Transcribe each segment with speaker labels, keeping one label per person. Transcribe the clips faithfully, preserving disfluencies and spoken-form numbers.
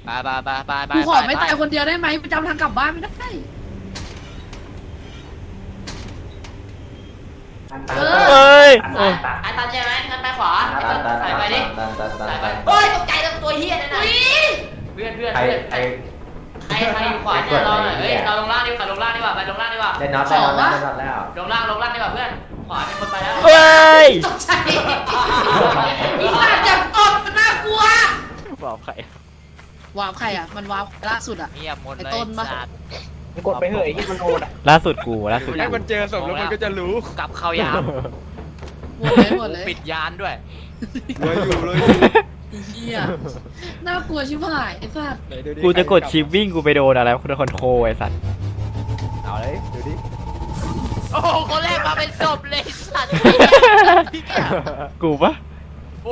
Speaker 1: ไปไปไปไปไป
Speaker 2: กูขอไม่ตายคนเดียวได้ไหมประจำทางกลับบ้านไม่ได้
Speaker 3: เฮ้ย
Speaker 1: ไอ้ตันใช่ไหมงั้นไปขวาไอ้ตันใส่ไปดิใส่ไปโอ้ยตกใจแล้วตัวเฮียนั่นน่ะเพื่อนเพื่อนเพื่อนไอ้ไอ้ใครอยู่ขวาเนี่ยเราเฮ้ยเราลงล่างดีกว่าลงล่างดีกว่าไปลงล่างดีกว่า
Speaker 4: ได้น็อตได้น็อตได้น็อตแล้ว
Speaker 1: ลงล่างลงล่างดีกว่าเพื่อนขวาเป็นคนไปแล้ว
Speaker 3: เฮ้ย
Speaker 2: ตกใจอีสัตว์จับตบมันน่ากลัว
Speaker 3: บอกใคร
Speaker 2: วาร์ปใครอ่ะมันวาร์ปล่าสุดอ่ะ
Speaker 1: เงียบหมดเลย
Speaker 2: ไอ้ต้นปะ
Speaker 4: กดไปเหอะที่มันโหดอ่ะ
Speaker 3: ล่าสุดกูล่าสุด
Speaker 5: ให้มันเจอศพแล้วมันก็จะรู้
Speaker 1: กลับเข้ายาม
Speaker 2: หมดเลยหมดเลย
Speaker 1: ปิดยานด้วย
Speaker 5: เลยอยู่เลย
Speaker 2: เฮียน่ากลัวชิบหายไอ้สัตว์
Speaker 3: กูจะกดชิปวิ่งกูไปโดนอะไรคุณคอนโทรไอ้สัตว์
Speaker 5: เอาเลยดูดิ
Speaker 1: โอ้โหคนแรกมาเป็นศพเลยสัตว์
Speaker 3: กูปะ
Speaker 1: โอ้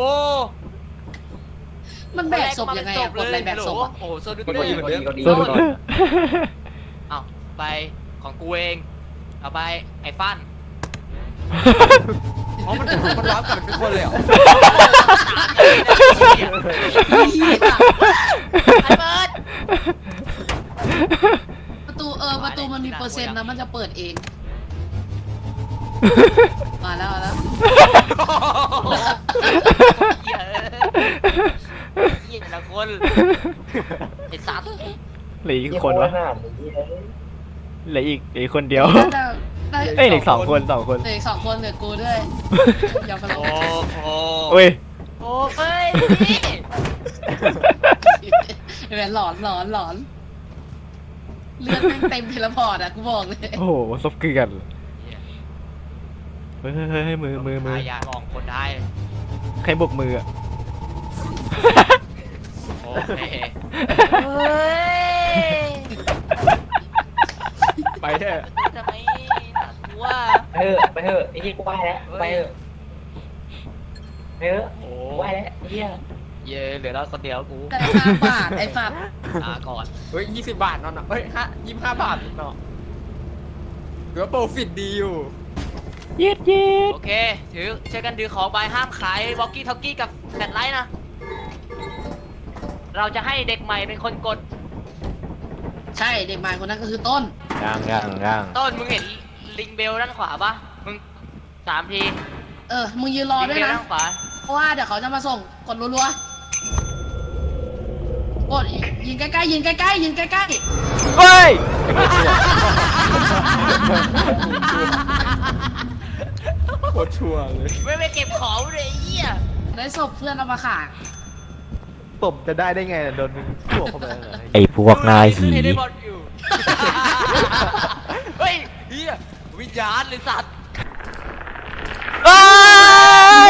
Speaker 2: มันแบกศพยังไงอะกดอะไรแบกศพอะ
Speaker 1: โอ้โหโซดู
Speaker 4: กด
Speaker 1: เตอ
Speaker 4: ดี
Speaker 1: ร์
Speaker 4: กดดีกดดี
Speaker 3: สุด
Speaker 1: เอาไปของกูเองเอาไปไอ้ฟัน
Speaker 5: อ๋อมันมันรับกันเป็นคนเลยเหรอ
Speaker 2: เหี้ย
Speaker 1: ไอ้เบิร์ด
Speaker 2: ประตูเออประตูมันมีเปอร์เซ็นต์นะมันจะเปิดเองมาแล้วมาแล้ว
Speaker 1: เหี้ยเหี้ยแต่ละคนไอ้สัตว์
Speaker 3: เหลืออีกคนวะเหลืออีกเหลืออีกคนเดียว
Speaker 2: น่าจะได้
Speaker 3: เอ้ยเหลืออกสองคนสองคน
Speaker 2: เหลืออีกสองคนเหลือกูด้วยอย่าไปล
Speaker 1: โอ้
Speaker 2: ง
Speaker 1: โห
Speaker 3: โอ้ย
Speaker 1: โอ้เฮ้ยนี่
Speaker 2: ไอ้แหวนหลอนหลอนหลอนเลือดแม่งเต็มเทเลพอร์ตอะกูบอกเลย
Speaker 3: โอ้โหซบเกลือนเฮ้ยเฮ้ยเฮ้ยมือมือมือ
Speaker 1: พายามองคนได้
Speaker 3: ใครบกมืออะ
Speaker 1: โอเคเฮ้ย
Speaker 5: ไปเถอะ
Speaker 1: ทำไมน่ากลัว
Speaker 4: ไปเหอะไปเหอะไอ้ที่กูไหวแล้วไปเหอะไปเหอะ
Speaker 1: โอ้
Speaker 4: กูไหวแล้วเฮีย
Speaker 1: เย่เหลือเราคนเดียวกู
Speaker 2: ได้ห้าบาทไอ้สัตว์
Speaker 1: ลาก่อน
Speaker 5: เฮ้ยยี่สิบบาทเนาะเฮ้ยห้ายี่สิบห้าบาทเนาะถือว่าโปรฟิตดีอยู่
Speaker 3: ยืดยืด
Speaker 1: โอเคถือช่วยกันถือของไปห้ามขายวอกกี้ท็อกกี้กับแฟลชไลท์นะ เราจะให้เด็กใหม่เป็นคนกด
Speaker 2: ใช่เด็กใหม่คนนั้นก็คือต้น
Speaker 3: ย่างย่างย่าง
Speaker 1: ต้นมึงเห็นลิงเบลด้านขวาปะมึงสามที
Speaker 2: เออมึงยืนรอ
Speaker 1: ลิง
Speaker 2: ด้วย
Speaker 1: เบล
Speaker 2: นะ
Speaker 1: ด้านขวา
Speaker 2: เพราะว่าเดี๋ยวเขาจะมาส่งกดรัวๆกดยิงใกล้ๆยิงใกล้ๆยิงใกล้
Speaker 3: เฮ้ย
Speaker 5: โคตรชัวร์เลย
Speaker 1: ไม่ไปเก็บของเลยไอ้เหี้ย
Speaker 2: ๆได้ศพเพื่อนเอามาขาย
Speaker 5: ตบจะได้ได้ไงโดนมึงพวกเข้าไปเลย
Speaker 3: ไอพวกนายหี
Speaker 1: ขึ้นให้ได้บอลอยู่ เฮ้ยเหี้ยวิญญาณเลยสัตว์
Speaker 3: เอ้ย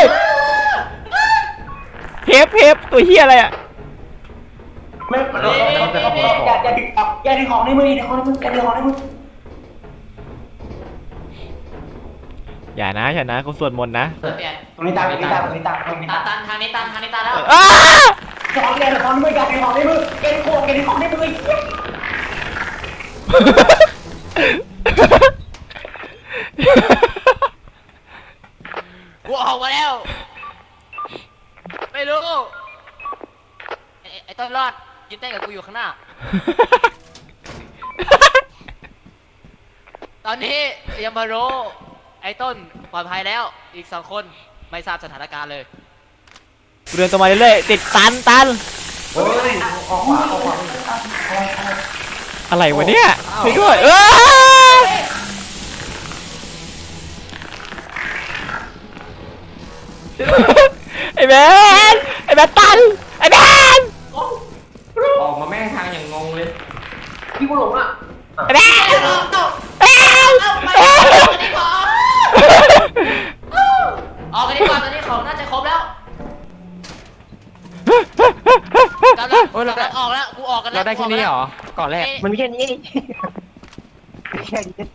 Speaker 3: เฮฟเฮฟตัวเฮียอะไรอ่ะ
Speaker 4: ไม่เราเราจะต้องอย่าอย่าดึงอย่าดึงของในมืออย่าดึงของในมืออย่าดึงของในมือ
Speaker 3: อย่านะอย่านะกูสวดมนต์นะ
Speaker 1: เปลี่ยน
Speaker 4: ตรงนี้ตามตรงนี้ตามตรงนี้ตามตรงนี้
Speaker 1: ตั
Speaker 4: ตาน ม
Speaker 1: ตันทางนี้ตันทางนี้ตันแล้ว
Speaker 3: อ้า
Speaker 4: ของแกของในมืออย่าดึงของในมือแกดึงของแกดึงของในมือ
Speaker 1: กูออกมาแล้ว ไม่รู้ไอ้ไอ้ต้นรอดยืนเต้นกับกูอยู่ข้างหน้า ตอนนี้ยามาโรไอ้ต้นปลอดภัยแล้วอีกสองคนไม่ทราบสถานการณ์เลย
Speaker 3: กูเดินตรงมาเรื่อยๆติดตันตัน
Speaker 4: เฮ้ยออกขวาออกขวา
Speaker 3: อะไรวะเนี่ยช่วยด้วยเอ้ยไอ้แมนไอ้แมนตันไอ้แมน
Speaker 4: ออกมาแม่งทางอย่างงงเลยพี่กูหลงอ่ะ
Speaker 3: ไอ้แมนไอ้แมน
Speaker 1: ออกกันดีกว่าตอนนี้ของน่าจะครบแล้วกำลัง
Speaker 5: โอ้ยเรา
Speaker 1: กำลังออกแล้วกูออกกันแล้ว
Speaker 5: เราได้แค่นี้เหรอก่อนแรก
Speaker 4: มันมีแค่นี้แค่นี้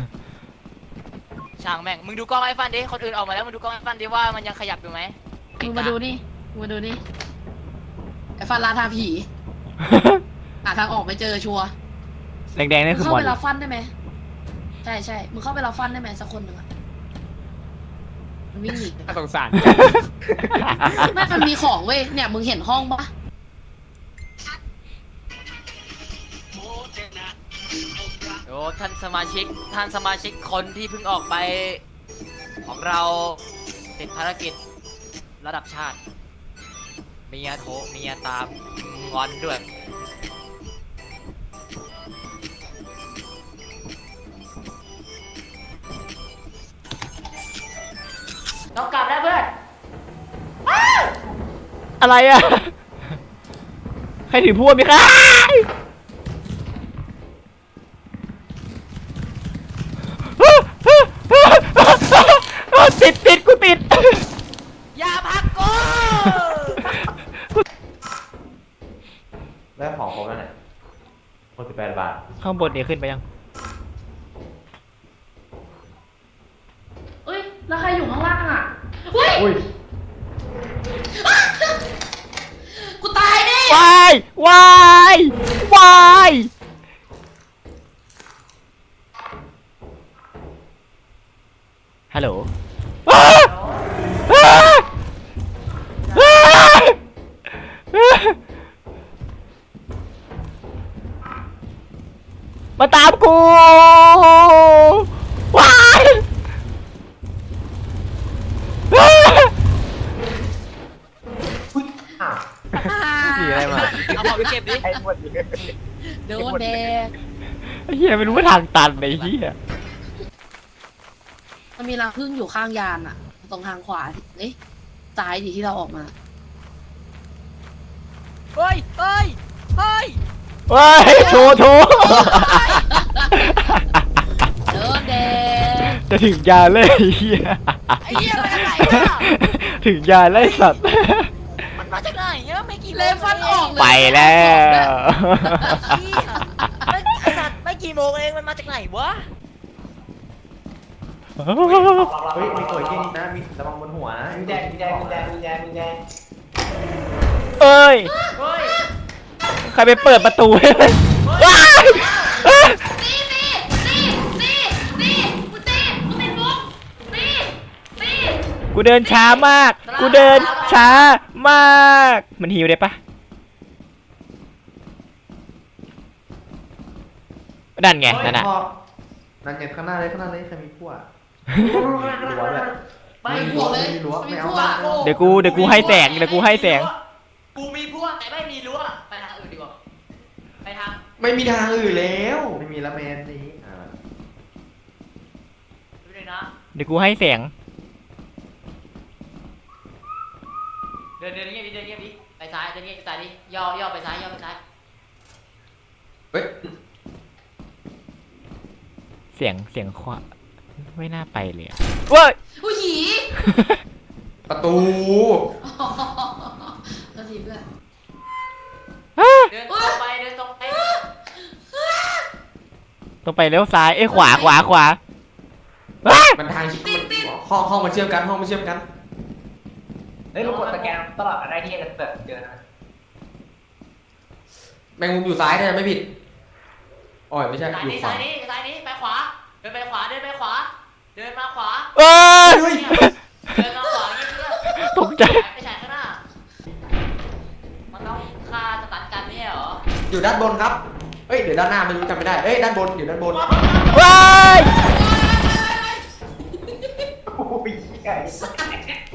Speaker 1: ช่างแม่งมึงดูกล้องไอ้ฟันดิคนอื่นออกมาแล้วมึงดูกล้องไอ้ฟันดิว่ามันยังขยับอยู่ไหม
Speaker 2: มึงมาดูนี่มึงมาดูนี่ไอ้ฟันลาทาผีหาทางออกไม่เจอชัวร์
Speaker 3: แดงๆ
Speaker 2: มึ
Speaker 3: นี่
Speaker 2: ง
Speaker 3: คือ
Speaker 2: เข้าม
Speaker 3: อน
Speaker 2: ไปรับฟันได้ไหมใช่ใช่มึงเข้าไปรับฟันได้ไหมสักคนหนึ่งอะมันวิ่งหนี
Speaker 5: น่าสงสาร
Speaker 2: แม่มันมีของเว้ยเนี่ยมึงเห็นห้องปะ
Speaker 1: ท่านสมาชิกท่านสมาชิกคนที่เพิ่งออกไปของเราติดภารกิจระดับชาติเมียโทรเมียตามงอนด้วยต้องกลับได้เพื่อน
Speaker 3: อะไรอ่ะ ใครถือพวกมีค่ะติดติดกูติด
Speaker 1: อย่าพักกู
Speaker 4: ได้ของครบแล้วเนี่ยหกสิบแปดบาท
Speaker 3: ข้างบนเนี่ยขึ้นไปยัง
Speaker 2: เอ้ยแล้วใครอยู่ข้างล่างอ่ะเฮ้ย
Speaker 4: อุ้ย
Speaker 2: กูตายดิ
Speaker 3: วายวายวายฮัลโหลอ้าอ้าอ้ามาตามกูว้ายอ้า
Speaker 4: อุ้ยอ้าว
Speaker 3: หนีอะไรมา
Speaker 1: เอาของไปเก็บดิ
Speaker 4: ไอ้หมดเลย
Speaker 2: โดนแดง
Speaker 3: ไอ้เหี้ยไม่รู้ว่าทางตันไอ้เหี้ย
Speaker 2: มันมีรังผึ้งอยู่ข้างยานอ่ะ ตรงทางขวาเอ๊ะซ้ายดิที่เราออกมา
Speaker 1: เฮ้ยเฮ้ยเฮ้ย
Speaker 3: ว้ายโชว์โชว์
Speaker 2: โดนแดง
Speaker 3: จะถึงยาเลยไอ้เหี้ย
Speaker 1: ไอ้เหี้ยมาจากไหนอะ
Speaker 3: ถึงยาเลยสัตว์
Speaker 1: มันมาจากไหนเนี่ยไม่กี่โมง
Speaker 2: เลฟันออกเลย
Speaker 3: ไปแล้ว
Speaker 1: ไอ้เหี้ยไม่ไอ้สัตว์ไม่กี่โมงเองมันมาจากไหนวะ
Speaker 4: เฮ้ยมีตัวเก่งนะมีระวังบนหัวนะมีแดงมีแดงมีแดงมีแดงมีแดง
Speaker 3: เอ้ย
Speaker 1: เฮ้ย
Speaker 3: ใครไปเปิดประตูให้มันว้าย
Speaker 2: ตีตีตีตีตีกูตีกูติดมุกตีตี
Speaker 3: กูเดินช้ามาก กูเดินช้ามาก มันหิวได้ปะนั่นไงนั่นน่ะ
Speaker 4: นั่นไงข้างหน้าเลยข้างหน้าเลยใครมีพวก
Speaker 1: ไป
Speaker 2: ไม่
Speaker 1: หั
Speaker 2: หั
Speaker 1: ว
Speaker 2: ว
Speaker 1: เล
Speaker 2: เลย ย
Speaker 4: รั้วไม่
Speaker 2: ไม่
Speaker 4: เอา
Speaker 2: หัว
Speaker 4: ไม่เอา
Speaker 3: เดี๋ยวกูเดี๋ยวกูให้แสงเดี๋ยวกูให้แสง
Speaker 1: กูมีพวกแต่ไม่มีรั้วไปทางอื่นดีกว่าไปทาง
Speaker 4: ไม่มีทางอื่นแล้วไม่มีละแมนนี้อ่า
Speaker 1: ดูเลยนะ
Speaker 3: เดี๋ยวกูให้แสง
Speaker 1: เดินเดินเงียบดิเดินเงียบดิไปซ้ายเดินเงียบไปซ้ายดิย่อย่อไปซ้ายย่อไปซ้าย
Speaker 4: เฮ้ย
Speaker 3: เสียงเสียงควาไม่น่าไปเลยอะเว้ย
Speaker 2: ผู้หญิ
Speaker 4: ประตู
Speaker 2: ก็ทีเพื่อน
Speaker 1: เดินตรงไปเดินตรงไป
Speaker 3: ต้องไปเลี้ยวซ้าย เอ้ยขวาขวาขวาว้าย
Speaker 4: มันทางชิดห้องห้องมันเชื่อมกันห้องมันเชื่อมกันเฮ้ยเรากดสแกนตลอดได้ที่จะเจอนะแมงมุมอยู่ซ้ายเนี่ยไม่ผิดอ๋อไม่ใช่
Speaker 1: ซ้าย
Speaker 4: อยู่
Speaker 1: นี้
Speaker 4: ขวา
Speaker 1: ซ้ายนี้ซ้ายนี้ไปขวาเดินไปขวาเดินไปขวาเดินมาขวา
Speaker 3: เอ้ย
Speaker 1: เดินมาขวาเงี้ยเพื่อน
Speaker 3: ตกใจ
Speaker 1: ไปฉายข้างหน้ามันต้องฆ่าสตันกันไม่ใช่เหรอ
Speaker 4: อยู่ด้านบนครับเอ้ยเดี๋ยวด้านหน้าไม่รู้จำไม่ได้เอ้ยด้านบนอยู่ด้านบน
Speaker 3: ว้าย
Speaker 4: โอ้ยใหญ่สัส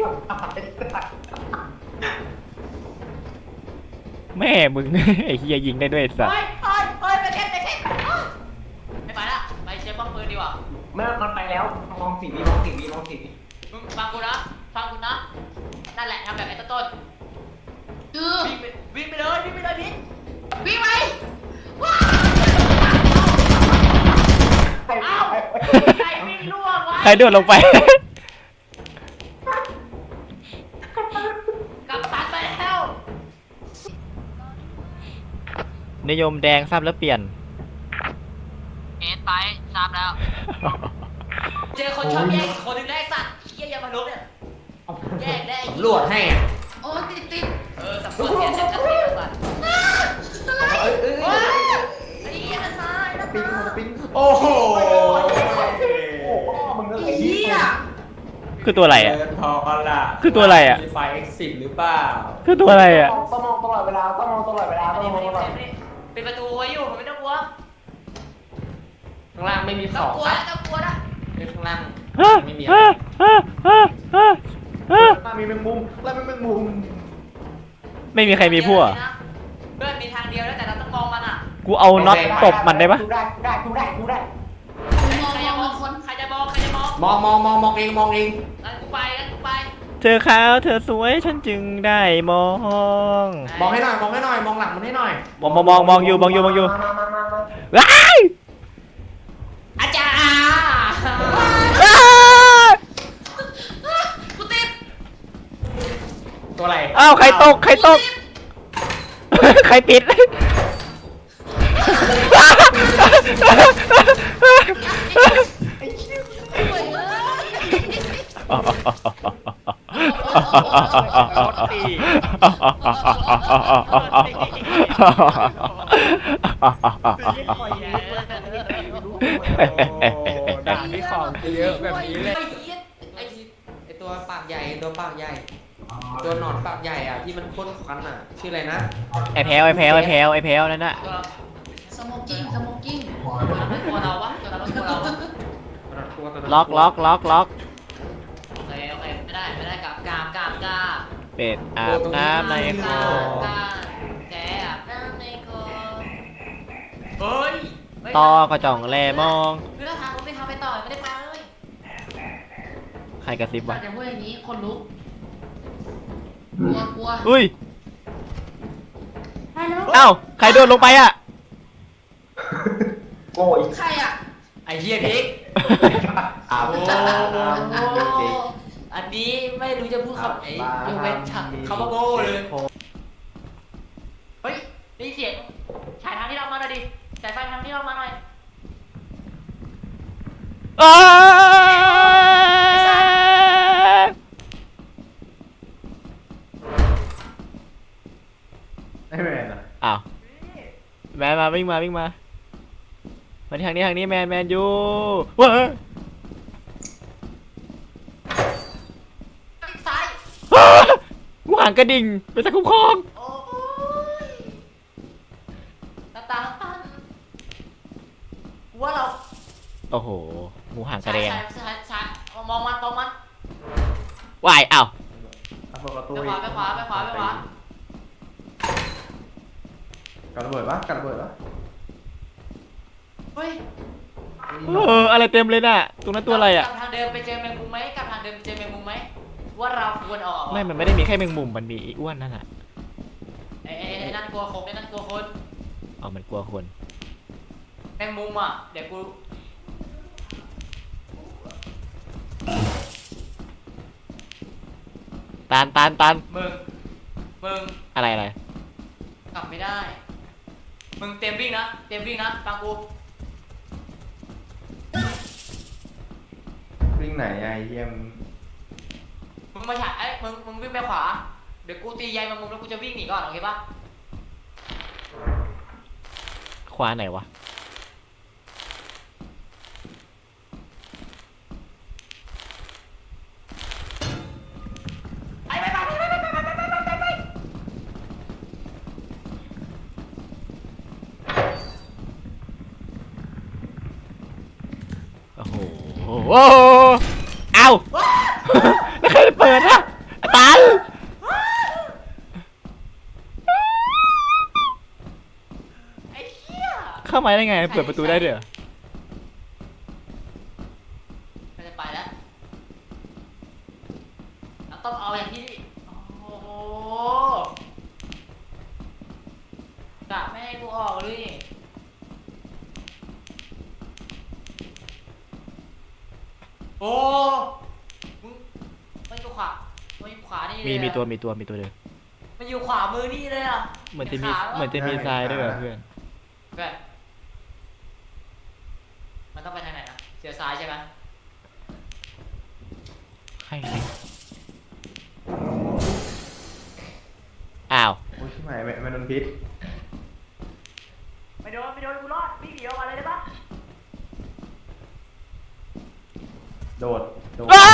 Speaker 3: แม่มึง ไอ้เฮียยิงได้ด้วยไอ้สัส
Speaker 1: เฮ้ยเฮ้ยเฮ้ยไปเก็บไปเก็บไม่ไปละไปเช็คป้อมปืนดีกว่า
Speaker 4: ไม่มันไปแล้วมองสีนี้มองสีนี้มองสีนี้
Speaker 1: มึงฟังกูนะฟังกูนะนั่นแหละทำแบบไอ้ต้น
Speaker 2: คือ
Speaker 1: วิ่งไปวิ่งไปเลยวิ่งไปเลยพี่
Speaker 2: วิ่งไปว้า
Speaker 1: เอ้าใครวิ่งล่วงวะ
Speaker 3: ใครโดดลงไป
Speaker 1: กลับตันไปแล้ว
Speaker 3: นิยมแดงทราบแล้วเปลี่ยน
Speaker 1: เอ็นไปทราบแล้ว เจอคนชอบแย่งอีกคนนึงได้สัตว์เฮียยามาลุกเนี่ยแย่งได้
Speaker 4: ตำรวจให้อ่ะ
Speaker 2: โอ้ติดติด
Speaker 1: เออสำรวจเนี่ยจะจะตีสัตว์
Speaker 4: เอ้ยเอ้ย
Speaker 1: เฮ้ยไอ้เหี้ยนะซ้ายนะ
Speaker 4: ปิ้งปิ้งโอ้โหมึงก็เลย
Speaker 2: เฮีย
Speaker 3: คือตัวอะไรอ่ะ
Speaker 4: เดินพอกันละ
Speaker 3: คือตัวอะไรอะ
Speaker 4: มีไฟ exit หรือเปล่า
Speaker 3: คือตัวอะไรอ่ะ
Speaker 4: ต้องมองตลอดเวลาต้องมองตลอดเวลา
Speaker 1: มา
Speaker 4: ต้อง
Speaker 1: ดิ
Speaker 4: มอง
Speaker 1: มา
Speaker 4: ต
Speaker 1: ดิ
Speaker 4: ลอ
Speaker 1: มา
Speaker 4: ด
Speaker 1: ดิปิดประตูไว้อยู่ผมไม่ต้องกลัว
Speaker 4: มข้างล่างไม่มีข
Speaker 1: ต้อ
Speaker 4: อง ง
Speaker 1: กลัว
Speaker 4: ครั
Speaker 1: นะ
Speaker 4: บ
Speaker 1: ต้องกลัวนะ
Speaker 4: ข้างล่าง
Speaker 3: ฮะ
Speaker 4: ไม่มีอะไร
Speaker 3: ฮะฮะฮะฮะฮะ
Speaker 4: ข้างล่างมีแมงมุมแล้วมีแมงมุม
Speaker 3: ไม่มีใครมีพวก
Speaker 1: เพื่อนมีทางเดียวแล้วแต่เราต้องมองมันอ่ะ
Speaker 3: กูเอาน็อตตบมันได้ปะ
Speaker 4: กูได้กูได้กูได้กูได้
Speaker 2: มอง
Speaker 1: ใคร
Speaker 2: ม
Speaker 1: จะ
Speaker 2: อง
Speaker 1: ม
Speaker 2: ม
Speaker 1: อ
Speaker 2: อง งคน
Speaker 1: ใครจะมองใครจะมอง
Speaker 4: มองมองมองมองเองมองเอง
Speaker 1: งั้นกูไปงั้นกูไป
Speaker 3: เธอขาวเธอสวยฉันจึงได้มอง
Speaker 4: มองให้หน่อยมองให้หน่อยมองหลังมันให้หน่อย
Speaker 3: มองมองมองมองอยู่มองอยู่มองอยู่
Speaker 4: มามามามา
Speaker 3: ว้าย
Speaker 1: อาจารย์
Speaker 3: ว้าย
Speaker 1: กูติด
Speaker 4: ตัวอะไร
Speaker 3: อ้าวใครตกใครตกใครปิด
Speaker 5: รถตีด่าที่ของเยอะแบบนี้เลย
Speaker 1: ไอ้เหี้ย
Speaker 4: ไอ้ที่ไอ้ตัวปากใหญ่ตัวปากใหญ่ ตัวหนอนปากใหญ่อ่ะที่มันพ่นควันอ่ะชื่ออะไรนะ
Speaker 3: ไอแพลวไอแพลวไอแพลวไอแพลวนั่นน่ะ
Speaker 1: ตัว
Speaker 2: สโมกกิ้งสโมกกิ้ง
Speaker 1: ตัวนั้นไม่กลัวเราวะตัวนั้นไม่กลัวเราวะ
Speaker 4: ตัวตัวนั้น
Speaker 3: ล็อกล็อกล็อกล็อก
Speaker 1: โอเคโอเคไม่ได้ไม่ได้กราบกราบกราบกราบ
Speaker 3: เป็ดอาบน้ำในคลอง
Speaker 1: กราบแกอาบน้ำในคลองเฮ้ยไม่
Speaker 3: ต่อกระจ่องแลมอง
Speaker 1: คือถ้าทางรถไม่ทำไปต่อไม่ได้ไปเลย
Speaker 3: ใครกระซิบวะ
Speaker 2: อย่าพูดอย่างนี้คนลุกกลัวกลัว
Speaker 3: อุ้ย
Speaker 2: ฮัลโหล
Speaker 3: เอ้าใครโดนลงไปอ่ะ
Speaker 4: โอ้ย
Speaker 2: ใครอ่ะ
Speaker 1: ไอ้เหี้ยพริก
Speaker 4: อาบ
Speaker 1: โอ้
Speaker 4: น้ำ
Speaker 1: อันนี้ไม่รู้จะพูดคำไหนยกเว้นคำว่าโง่เลย เฮ้ยได้ยินเสียงฉายทางที่เรามาหน่อยดิฉายไฟทางที่เรามาหน่อย
Speaker 3: อ้า
Speaker 4: ไม่เป็นไรนะ
Speaker 3: อ้าวแมนมาวิ่งมาวิ่งมามาทางนี้ทางนี้แมนแมนอยู่ว้า
Speaker 1: ซ้าย
Speaker 3: กูห่างกระดิ่งไปตะคุ้มครอง
Speaker 1: โอ้ยตาตาตันกูว่าเรา
Speaker 3: โอ้โหงูห่างกระ
Speaker 1: ฉาย
Speaker 3: เด็ง
Speaker 1: ฉายฉายฉายมองมันมองมัน
Speaker 3: วายอ้าว
Speaker 4: เอาเปิดประตู
Speaker 1: ไปขวาไปขวาไปขวาไปขวา
Speaker 4: กันระเบิดปะกันระเบิดปะ
Speaker 1: เฮ้ย
Speaker 3: เอออะไรเต็มเลยน่ะตรงนั้นตัวอะไรอ่ะ
Speaker 1: กลับทางเดิมไปเจอแมงมุมไหมกลับทางเดิมเจอแมงมุมไหมว่าเราควรออก
Speaker 3: ไม่มันไม่ได้มีแค่แมงมุมมันมีไอ้อ้วนนั่นน่ะ
Speaker 1: ไอ้ไอ้ไอ้นั่นกลัวคงไอ้นั่นกลัวคน
Speaker 3: อ๋อมันกลัวคน
Speaker 1: แมงมุมอ่ะเดี๋ยวกู
Speaker 3: ตานตานตาน
Speaker 1: มึงมึง
Speaker 3: อะไรอะไร
Speaker 1: กลับไม่ได้ มึงเตรียมวิ่งนะ เตรียมวิ่งนะ ฟังกู
Speaker 4: วิ่งไหนไอ้เยี่ยม
Speaker 1: มึงมาฉายไอ้ยมึง มึงวิ่งไปขวา เดี๋ยวกูตีใยแมงมุมแล้วกูจะวิ่งหนีก่อน โอเคปะ
Speaker 3: ขวาไหนวะ
Speaker 1: ไปไปไปไปไปไปไปไปไปไป
Speaker 3: โอ้โหโอ้โหเอ้าแล้วใครเปิดอะตัน
Speaker 1: ไอ้เหี้ย
Speaker 3: เข้ามาได้ไงเปิดประตูได้ด้วยเหรอ
Speaker 1: มันจะไปแล้วเราต้องเอาอย่างที่โอ้โหกะไม่ให้กูออกเลย โอ้มึงมันอยู่ขวามันอยู่ขวานี่เลย
Speaker 3: มี
Speaker 1: อะ
Speaker 3: มีตัวมีตัวมีตัวเดิม
Speaker 1: มันอยู่ขวามือนี่เลยอ่ะ
Speaker 3: เหมือนจะมี
Speaker 1: ขา
Speaker 3: เหมือนจะมีทรายด้วยเหรอเพื่อน
Speaker 1: เพื่อนมันต้องไปทางไหนนะเสียซ้ายใช่ไหม
Speaker 3: ใครใครอ้าว
Speaker 4: โอ้ยชิบหายไม่ไม่โดนพิษ
Speaker 1: ไม่โดนไม่โดนกูรอดวิ่งหนีออกมาเลยได้ปะ
Speaker 4: โดดโดด
Speaker 3: อ้า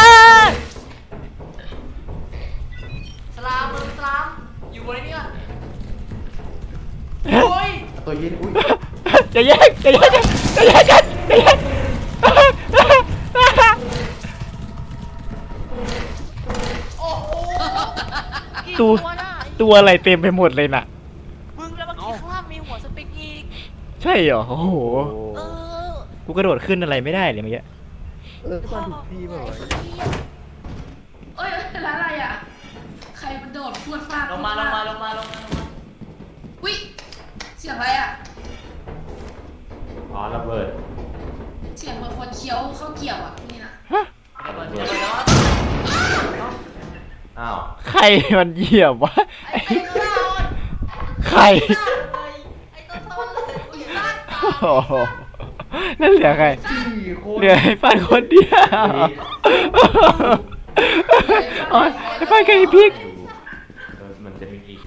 Speaker 1: สลามมึงสลามอยู่บนนี้ก่อนโอ้ย
Speaker 4: ตัวยิงอุ้ย
Speaker 3: จะแยกจะแยกกันจะแยกกัน
Speaker 1: โอ้โหกี่
Speaker 3: ตัว
Speaker 1: น่ะ
Speaker 3: ตัวอะไรเต็มไปหมดเลยน่ะ
Speaker 1: มึงแล้วเมื่อกี้ข้างล่างมีหัวสปิกอีก
Speaker 3: ใช่เหรอ โอ้โห
Speaker 1: เออ
Speaker 3: กูกระโดดขึ้นอะไรไม่ได้เลยเมื่อกี้
Speaker 5: เออมาถูกที่ป่ะวะ
Speaker 2: เอ้ยร้านอะไรอ่ะ ใครมันโดดพรวดฟาด
Speaker 1: ลงมาลงมาลงมาลงมาลงมา
Speaker 2: อุ้ยเสียงอะไรอ่ะ
Speaker 4: อ๋อระเบิด
Speaker 2: เสียงเหมือนคนเคี้ยวข้าวเกี่ยวอ่ะนี่นะ
Speaker 1: ระเบิดระเบิดแล้ว
Speaker 4: อ้าว
Speaker 3: ใครมันเหยียบวะ
Speaker 1: ไอ้ต้นต้น
Speaker 3: ใคร
Speaker 1: ไอ้ต้นต้นเลยอุ้ยลาดตา
Speaker 3: โอ้โหนั่นเหลือใคร
Speaker 4: สี่คน
Speaker 3: เหลือไอ้ฟันคนเดียวอ๋อไอ้ฟันกับไอ้พริก
Speaker 4: เออมันจะมีอีก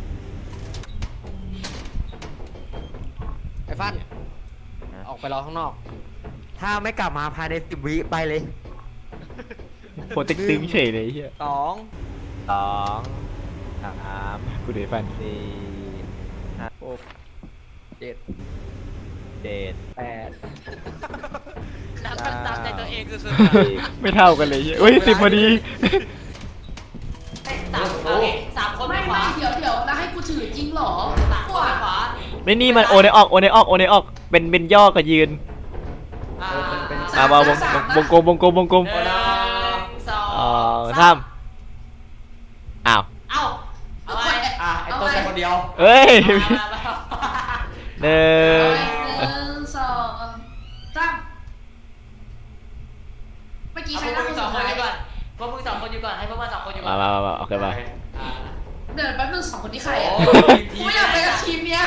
Speaker 5: ไอ้ฟันออกไปรอข้างนอก ถ้าไม่กลับมาภายในสิบวิไปเลย
Speaker 3: โหตึงตึงเฉยเลยไอ้เฮีย
Speaker 5: สองสองสาม
Speaker 3: กูเดือดฟัน
Speaker 5: สี่ห้าหกเจ็ดเจ็ดแปด
Speaker 1: น้ำตาตามใจตัวเองสุด
Speaker 3: ไม่เท่ากันเลยเหี้ยเฮ้ยสิบพอดี
Speaker 1: ๆไอ้สามโอเคสามคนไป
Speaker 2: ไม่
Speaker 1: ข
Speaker 2: ไม่
Speaker 1: วา
Speaker 2: เดี๋ยวเดี๋ยวแล้วให้กูถือจริงเหรอ
Speaker 1: สามคนไปขวา
Speaker 3: ไม่นี่มันโอเนออกโอเนออกโอเนออกเป็นเป็นย่อกับยืน
Speaker 1: อ่า
Speaker 3: มามาวงวงกลมวงกลมวงกลม
Speaker 1: หนึ่งสอง
Speaker 3: เอ่อสามอ้าว
Speaker 1: เอ้าเอาไป
Speaker 4: อ่ะไอ้ต้นไปคนเดียว
Speaker 3: เอ้ย
Speaker 1: มามามา
Speaker 3: หนึ่ง
Speaker 2: หนึ่งสองสามเมื่อกี้
Speaker 1: เอา
Speaker 2: ใค
Speaker 1: พ
Speaker 2: ร
Speaker 1: วก
Speaker 2: นั่ง
Speaker 1: มึ
Speaker 2: ค
Speaker 1: ง
Speaker 2: น
Speaker 1: สอ
Speaker 2: สุ
Speaker 1: ง
Speaker 2: ด
Speaker 1: คน
Speaker 2: ท้า
Speaker 1: อย ยู่ก่อนพวกมึงสองคนอยู่ก่อนให้พวกมันสองคนอยู่ก่
Speaker 3: มา
Speaker 1: อน
Speaker 3: มามามาโอเคมา
Speaker 1: อ่า
Speaker 2: เดินแป๊บนึงสองคนที่ใคร
Speaker 1: โอ้
Speaker 2: อ่ะ
Speaker 1: ย
Speaker 2: กูไม่อยากไปกับทีมเนี้ย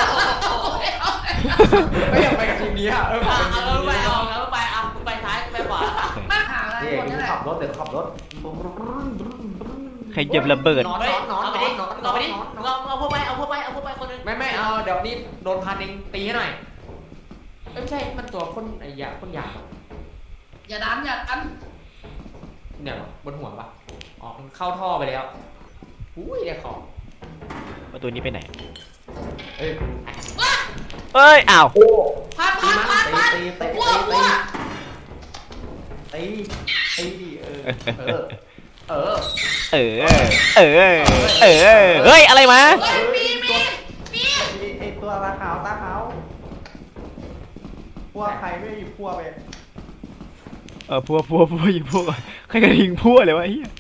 Speaker 4: ไม่อยากไปกับทีมนี้อ่ะเออ
Speaker 1: เอา
Speaker 4: เป็นทีม
Speaker 1: เอาไป
Speaker 4: นี้
Speaker 1: เอาเอาไปเอาไปซ้ายไปขวา
Speaker 2: มาหาอะไร
Speaker 4: นี่
Speaker 2: คนนี้แหละ
Speaker 4: ขับรถเดี๋ยวขับรถ
Speaker 3: ใครเหยียบระเบิด
Speaker 4: นอน
Speaker 1: เฮ้ย
Speaker 4: นอน
Speaker 1: เอาไป
Speaker 4: นอ
Speaker 1: ดิ
Speaker 4: นนอนน
Speaker 1: เอา
Speaker 4: อน
Speaker 1: ไปดิ
Speaker 4: นอน
Speaker 1: เอาเอาพวกไปเอาพวกไปเอาพวกไปคนนึง
Speaker 4: ไม่ไม่เอาเดี๋ยวนี้โดนพันเองตีให้หน่อยเอ้ยไม่ใช่มันตัวคนไอ้ยาคนหยาบอะ
Speaker 2: อย่าดันอย่าดัน
Speaker 4: เนี่ยบนหัวปะอ๋อมันเข้าท่อไปแล้วอุ้ยไอ้ของ
Speaker 3: ประตูนี้ไปไหน
Speaker 4: เอ้ย
Speaker 3: เอ้ยอ้าว
Speaker 2: พัด
Speaker 4: ตี
Speaker 2: พัด
Speaker 4: มัน
Speaker 2: พัด
Speaker 4: ตี
Speaker 2: พัด
Speaker 4: ตีตี
Speaker 2: วัว
Speaker 4: ตี
Speaker 2: วัว
Speaker 4: ตีตีดิเออเออเออ
Speaker 3: เออเออเออเฮ้ยอะไรมา
Speaker 2: เฮ้ยมีมีมี
Speaker 4: ไอตัวตาขาวตาขาวพวกใครไม่หยิบพวกไป
Speaker 3: เออพัวพัวพัวอยู่พัวก่อนใครกระทิงพัวเลยวะไอ้เหี้ย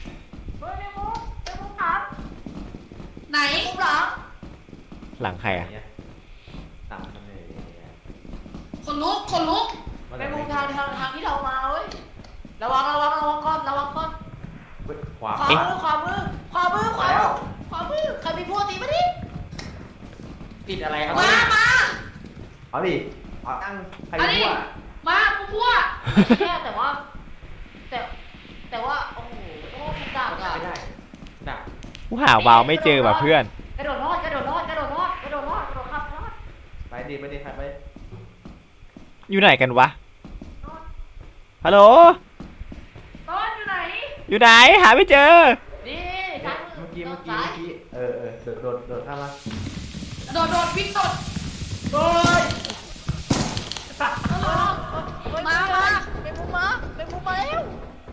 Speaker 2: ไหน
Speaker 3: หลังใครอ่ะ
Speaker 4: ตามมันเลย
Speaker 2: คนลุกคนลุก
Speaker 1: ไปมุมทางทางทางที่เรามาเว้ยระวังระวังระวังก้อนระวังก้อน
Speaker 4: ขวา
Speaker 1: ขวามือขวามือขวามือขวามือขวามือใครมีพวกตีมาดิ
Speaker 4: ติดอะไรครับ
Speaker 2: มามา
Speaker 4: เอาดิเอาตั้งใคร
Speaker 2: อันนี้
Speaker 4: พวก
Speaker 2: มากูพัว
Speaker 1: แค่แต่ว่า แต่แต่ว่าโอ้โหโอ้โหดักอะ
Speaker 4: ไม่ได้ดัก
Speaker 3: กูหาวาวไม่เจอว่ะเพื่อน
Speaker 1: กระโดดรอดกระโดดรอดกระโดดรอดกระโดดรอดกระโดดข้ามรอด
Speaker 4: ไปดิไปดิใครไป
Speaker 3: อยู่ไหนกันวะฮัลโหล
Speaker 2: ต้นอยู่ไหน
Speaker 3: อยู่ไหนหาไม่เจอ
Speaker 1: นี่ทาง
Speaker 4: เมื่อกี้เมื่อกี้เมื่อกี้เออเออโดดโดดโดดข้ามมา
Speaker 2: โดดโดดวิ่งโดด
Speaker 4: โอ้ย
Speaker 2: มามา
Speaker 1: เป็นมุมมาเป็นมุมมาแล้ว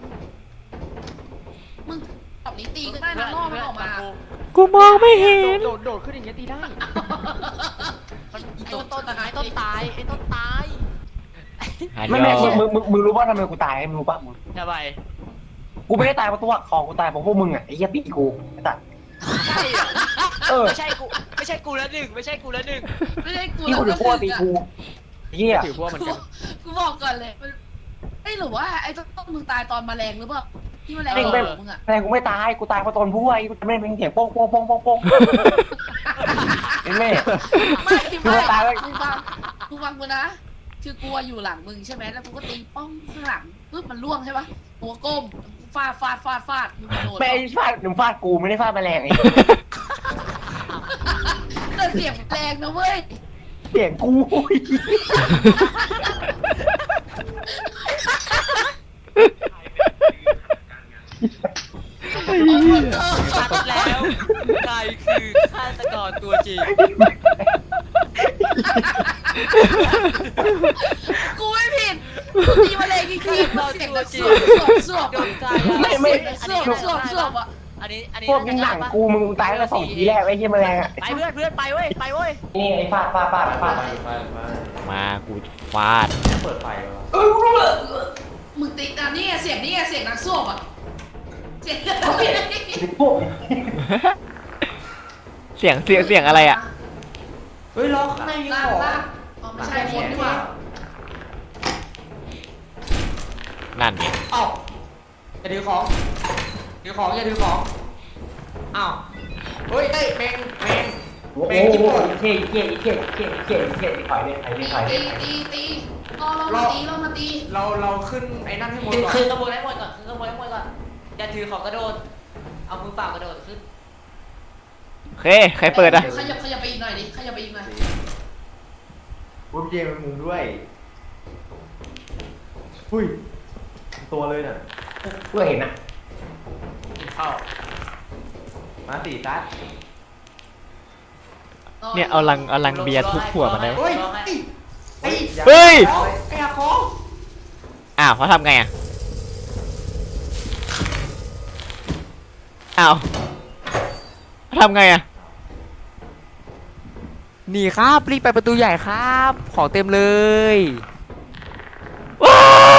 Speaker 2: มึงตอบนี้ตีก็ได้นะล่อมันออกมา
Speaker 3: กูมองไม่เห็น
Speaker 5: โดดโดดขึ้นอย่างเงี้ยตีได้
Speaker 1: มันไอ้ต้นต้นตายต้นตายไอ้ต้นตาย
Speaker 3: หา
Speaker 6: ไม่
Speaker 3: ย
Speaker 6: ไม่
Speaker 3: อ
Speaker 6: มึงมึงมึงมึงรู้ป่ะทำไมกูตายมึงรู้ป่ะมึง
Speaker 1: ทำไม
Speaker 6: กูไม่ได้ตายเพราะตัวของกูตายเพราะพวกมึงอ่ะไอ้เหี้ยตีกูไอ้ตัด
Speaker 1: ใช่เหรอ
Speaker 6: เออ
Speaker 1: ไม่ใช่กูไม่ใช่กูแล้วหนึ่งไม่ใช่กูแล้วหนึ่ง
Speaker 2: ไม่ใช่กู
Speaker 6: ที่กูถือพวกตีกูไอ้เหี้ย
Speaker 5: ถือพวกเหมือนกัน
Speaker 2: กูบอกก่อนเลยมันไอ้หรือว่าไอ้ต้นมึงตายตอนแมลงหรือเปล่าที่แมลง
Speaker 6: ไม่
Speaker 2: โด
Speaker 6: ไม่
Speaker 2: นมึงอ่ะ
Speaker 6: แต่กูไม่ตายกูตายเพราะตอนผู้ไอ้กูไม่เป็นเสียงโป้งโป้งโป้งโป้งโป้งไอ้แม่
Speaker 2: ไม่
Speaker 6: กู
Speaker 2: ไม่
Speaker 6: ตายแล้ว
Speaker 2: กูฟังกูฟังกูนะคือกูอยู่หลังมึงใช่ไหมแล้วกูก็ตีป้องข้างหลังปึ๊บมันล่วงใช่ปะตัวก้มฟาดฟาดฟาดฟาดมึงโดน
Speaker 6: ไม่ไอ้ฟาดหนุ่มฟาดกูไม่ได้ฟาดแมลงไอ้
Speaker 2: แต่เสียงแรงนะเว้ย
Speaker 6: เสียงกู
Speaker 3: ไอ้เหี้ย
Speaker 1: ชัดแล้วใครคือฆาตกรตัวจริง
Speaker 2: กูไม่ผิดนี่คือเสียงแบบสวบสวบสวบ
Speaker 1: โดนใจ
Speaker 6: ไม่ไม่
Speaker 2: สวบสวบสวบอ่ะ
Speaker 1: อันนี้อันนี้
Speaker 6: พวกนี้หนังกูมึงตายแล้วสองทีแรกไอ้เหี้ยแมลงอ่ะ
Speaker 1: ไปเพื่อนเพื่อนไปเว้ยไปเว้ย
Speaker 6: นี่ไอ้ฟาดฟาดฟาดฟาด
Speaker 3: มากูฟาด
Speaker 4: เปิดไฟวะ
Speaker 2: มึงติดอ่ะนี่เสียงนี่เสียงนักสวบอ่ะเสียง
Speaker 6: พวก
Speaker 3: เสียงเสียงเสียงอะไรอ่ะ
Speaker 4: เฮ้ยล็อกข้างในมี
Speaker 2: ลา
Speaker 4: ข
Speaker 2: ก
Speaker 4: อง
Speaker 2: ลากอ๋อไม่ใช่คนดีกว่า
Speaker 3: นั่นไง
Speaker 4: เอ้าอย่าถือของถือของอย่าถือของอ้าวเฮ้ยเอ้ยแมงแมง
Speaker 6: โอ้โหเท่เท่เท่เท่เท่เท่ถอยเลยถอยเลย
Speaker 2: ตี
Speaker 6: ถอยเล
Speaker 2: ตี
Speaker 6: ย
Speaker 2: ตีตีรอเรามาตีเรามาตี
Speaker 4: เราเราขึ้นไอ้นั่นให้หมด
Speaker 1: ขึ้น
Speaker 4: ก่อน
Speaker 1: ขึ้นขบวนให้หมดก่อนขึ้นขบวนให้หมดก่อนอย่าถือของกระโดดเอามือเปล่ากระโดดขึ้น
Speaker 3: โอเคใครเปิดอ่ะ
Speaker 2: ขยับขยับไปอีกหน่อยดิขยับไปอีกหน่อย
Speaker 4: วุ้บเจมันมุมด้วยหุ้ยตัวเลยน่ะ
Speaker 6: เพื่อเห็นอ่ะ
Speaker 1: เข้า
Speaker 4: มาสี่ซัด
Speaker 3: เนี่ยเอาลังเอาลังเบียร์ทุบหัวมันได้
Speaker 4: เฮ้ยไอ้
Speaker 3: เฮ้ย
Speaker 4: ไอ้อาของ
Speaker 3: อ้าวเขาทำไงอ่ะอ้าวเขาทำไงอ่ะ
Speaker 5: หนีครับรีบไปประตูใหญ่ครับ ของเต็มเลย
Speaker 3: ว้า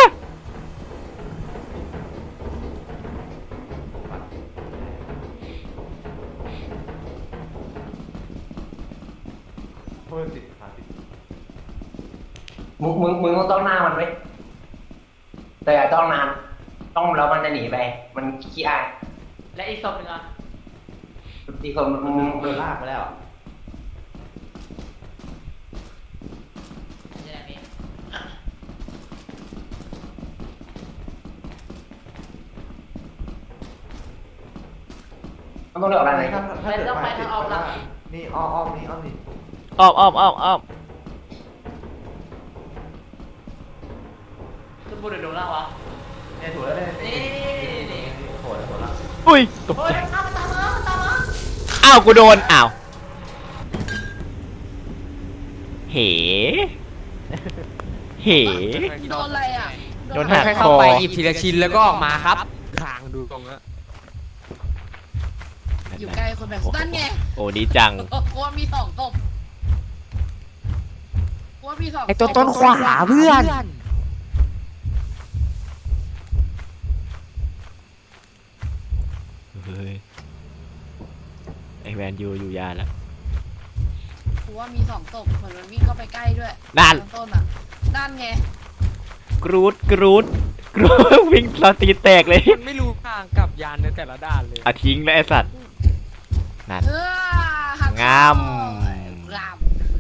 Speaker 4: เพิ่มสิบขาสิบ
Speaker 6: มึงมึงมึงต้องหน้ามันไว้แต่อย่าต้องนานต้องแล้วมันจะหนีไปมันขี้อาย
Speaker 1: และอีกศพหนึ่งอ่ะ
Speaker 6: อีกคนมึง
Speaker 4: โดนลากไปแล้ว
Speaker 1: นี่แหละนี่
Speaker 6: ต้องเลือกอะไร
Speaker 4: ถ้าถ้าเกิดไฟติดนี่อ้อมอ้อมนี่อ้อมนี่
Speaker 3: อ้อมอ้อมอ้อมอ้อม
Speaker 1: ขึ้นบนหรือลงล่างวะ
Speaker 4: เนี่ยถูกแล้วเนี่ย
Speaker 1: นี่นี่
Speaker 4: โหดโหดละ
Speaker 3: อุ้ยตก
Speaker 1: เฮ้
Speaker 3: ใจ
Speaker 1: ยมันตามมามันตามมา
Speaker 3: อ้าวกูโดนอ้าวเหเห
Speaker 2: โดนอะไรอ่ะ
Speaker 3: โดนหัก
Speaker 5: ค่อยๆเข้าไปหยิบทีละชิ้นแล้วก็ออกมาครับทางดูตรงนั้น
Speaker 2: อยู่ใกล้คนแบบนั่นไง
Speaker 3: โอ้ดีจัง
Speaker 2: กลัวมีสองศพกลัวมีสอง
Speaker 5: ไอตัวต้นขวาเพื่อน
Speaker 3: เฮ้ยไอแวนยูอยู่ยานแล้ว
Speaker 2: กลัวมีสองศพเหมือนมันวิ่งเข้าไปใกล้ด้วย
Speaker 3: นั่น
Speaker 2: ต้นอ่ะนั่นไง
Speaker 3: กรูดกรูดกรูดวิ่งสตีแตกเลย
Speaker 5: มันไม่รู้ทางกลับยานในแต่ละด้านเลย
Speaker 3: อ่ะทิ้งแล้วไอสัตว์นั่น
Speaker 2: เออหัก
Speaker 3: งาม
Speaker 2: งาม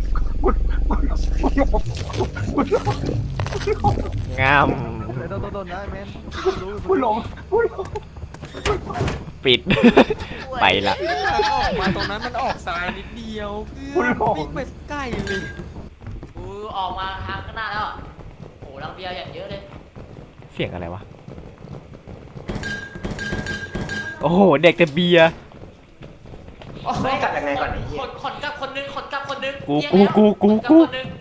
Speaker 3: งาม
Speaker 4: โดนโดนโดนนะแมน
Speaker 6: ผู้หลงผู้หลง
Speaker 3: ปิด ไปละ
Speaker 5: ออกมาตรงนั้นมันออกซ้ายนิดเดียวเพื่อนวิ่งไปใกล้เลย
Speaker 1: กูออกมาทางข้างหน้าแล้วโอ้ลังเบียร์อย่างเยอะเลย
Speaker 3: เสียงอะไรวะ โอ้โห เด็กแต่เบียร์
Speaker 6: ไม่กลับยังไงก่อนไอ้เหี้
Speaker 1: ค
Speaker 6: ย
Speaker 1: นคนกับคนนึงคนกับคนนึง
Speaker 3: กูกูกูกูกู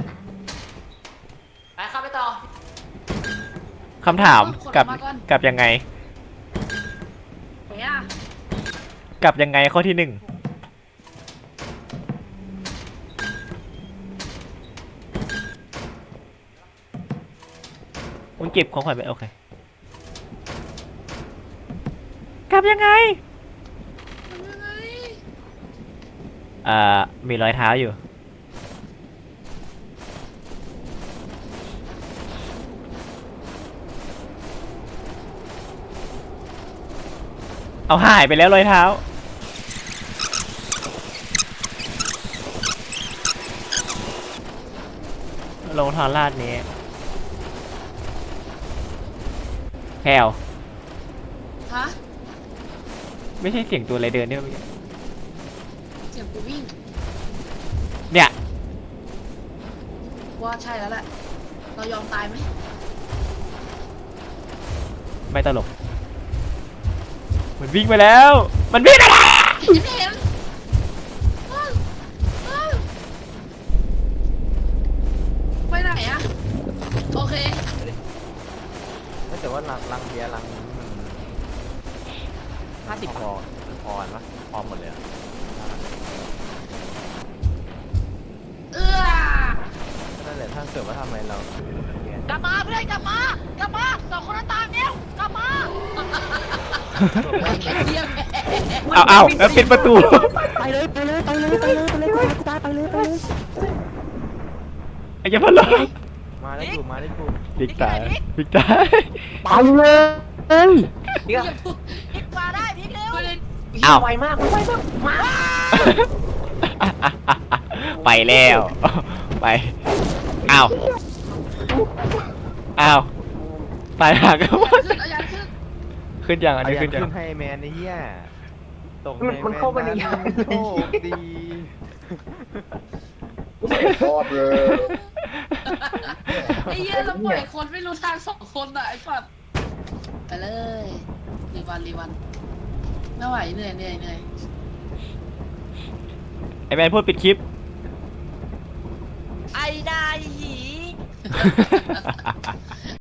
Speaker 1: ไปข้ามไปต่อ
Speaker 3: คำถามกลับกลับยังไง
Speaker 2: เนี่ย
Speaker 3: กลับยังไงข้อที่หนึ่งมึงเก็บของขวัญไปโอเค กลับยังไง
Speaker 2: ยังไง
Speaker 3: อ่า มีรอยเท้าอยู่ เอาหายไปแล้วรอยเท้า ลงทางลาดนี้แพลว
Speaker 2: ฮะ
Speaker 3: ไม่ใช่เสียงตัวอะไรเดินเนี่ยเมื่อกี้
Speaker 2: เสียงกูวิ่ง
Speaker 3: เนี่ย
Speaker 2: ว่าใช่แล้วแหละเรายอมตายไหม
Speaker 3: ไม่ตลก มันวิ่งไปแล้ว มันวิ่งไปแล้ว
Speaker 2: เห็นเห็นอ้าวอ้าวไปไหนอะโอเค
Speaker 7: ว่าลังลังเบียร์ลังนี้มันห้าสิบพอพอกันปะพอหมดเลยอะ
Speaker 2: เอื้อ
Speaker 7: นั่นแหละถ้าเกิดว่าทำไมเรา
Speaker 2: กลับมาเพื่อนกลับมากลับมาสองคนนั้นตามเร็วกลับมาไอ้เหี้ยแม่
Speaker 3: เอาเอาแล้วปิดประตู
Speaker 5: ไปเลยไปเลยไปเลยไปเลยไปเลยกูตายไปเลยไปเลย
Speaker 3: ไอ้เจ้าพันล้อ
Speaker 7: มาได้กูมาได้กู
Speaker 3: บิ๊กตายบิ๊กตาย
Speaker 5: ไปเลย
Speaker 2: พลิกมาได้พลิกเร็ว
Speaker 3: เอา
Speaker 6: ไวมากไวมากมา
Speaker 3: ไปแล้วไปเอาเอาตายหัก
Speaker 2: ขึ้นเอายันขึ้น
Speaker 3: ขึ้นยังอัน
Speaker 7: อัน
Speaker 3: นี้
Speaker 7: นี้
Speaker 3: ขึ้นยัง
Speaker 7: ขึ้นให้แมนไอ้เหี้ยตก
Speaker 6: มันมันเข้าไปในยาน
Speaker 7: โชคดี
Speaker 8: ชอบเลย
Speaker 2: ไอ้เหี้ยเราปล่อยคนไม่รู้ทางสองคนอ่ะไอ้สัตว์ไปเลยรีวันรีวันไม่ไหวเหนื่อยเหนื่อยเหนื่อย
Speaker 3: ไอ้แมนพูดปิดคลิป
Speaker 2: ไอ้นายหี